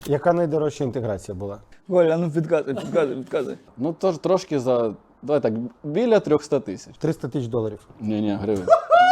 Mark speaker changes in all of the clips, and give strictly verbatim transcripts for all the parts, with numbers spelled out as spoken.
Speaker 1: Яка найдорожча інтеграція була?
Speaker 2: Коля, ну підказуй, підказуй, підказуй.
Speaker 3: Ну, тож трошки за, давай так, біля трьохсот тисяч.
Speaker 1: триста тисяч доларів.
Speaker 3: Ні-ні, гривень.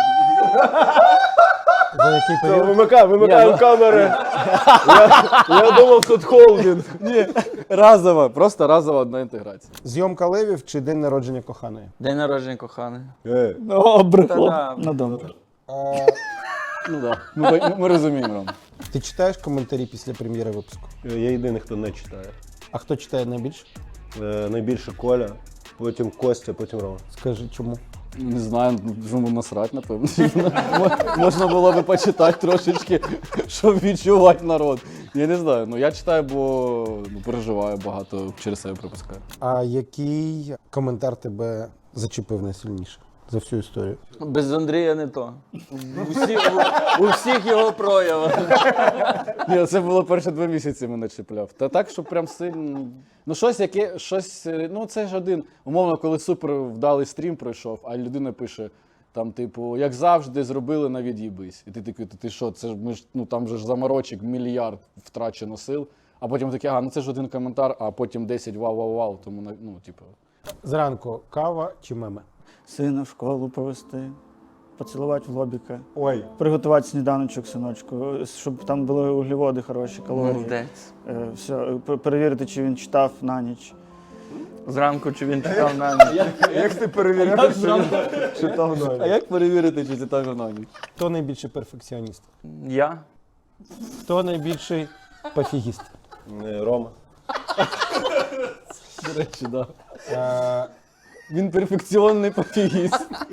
Speaker 1: За який період?
Speaker 4: Вимикай, вимикаємо
Speaker 3: Ні, ну-
Speaker 4: камери. Я, я думав, тут холдинг.
Speaker 3: Ні, разова, просто разова одна інтеграція.
Speaker 1: Зйомка левів чи день народження коханої?
Speaker 2: День народження коханий.
Speaker 4: Е,
Speaker 2: О, брехло.
Speaker 5: Та-да.
Speaker 2: Ну добре.
Speaker 3: Ну так, да. ми, ми, ми розуміємо, Ром.
Speaker 1: Ти читаєш коментарі після прем'єри випуску?
Speaker 4: Я єдиний, хто не читає.
Speaker 1: А хто читає найбільше?
Speaker 4: Е, найбільше Коля, потім Костя, потім Рома.
Speaker 1: Скажи, чому?
Speaker 3: Не знаю, чому насрать, напевно. Можна було би почитати трошечки, щоб відчувати народ. Я не знаю, ну я читаю, бо ну, переживаю багато, через себе пропускаю.
Speaker 1: А який коментар тебе зачепив найсильніше за всю історію?
Speaker 2: Без Андрія не то. У всіх, у, у всіх його проявах.
Speaker 3: Ні, це було перші два місяці мене чіпляв. Та так, що прям сильно. Ну, щось, яке, щось, ну це ж один, умовно, коли супер вдалий стрім пройшов, а людина пише, там, типу, як завжди, зробили на від'їбись. І ти такий, ти, ти що, це ж ми ж, ну там же ж заморочок, мільярд втрачено сил. А потім такий, ага, ну це ж один коментар, а потім десять вау-вау-вау, тому, ну, типу.
Speaker 1: Зранку кава чи меми?
Speaker 2: Сина в школу повести, поцілувати в лобіка,
Speaker 1: Ой.
Speaker 2: приготувати сніданочок, синочку, щоб там були вуглеводи хороші, калорії.
Speaker 5: Молодець.
Speaker 2: Е, все, пер- перевірити, чи він читав на ніч.
Speaker 5: Зранку чи він читав на ніч.
Speaker 4: Як ти перевіряєш, що він читав
Speaker 3: А
Speaker 4: Ноля?
Speaker 3: як перевірити, чи це так на ніч?
Speaker 1: Хто найбільший перфекціоніст?
Speaker 5: Я?
Speaker 1: Хто найбільший пофігіст?
Speaker 4: Е, Рома.
Speaker 3: До речі, так. Да.
Speaker 1: Е,
Speaker 3: Він перфекціонний пофігіст.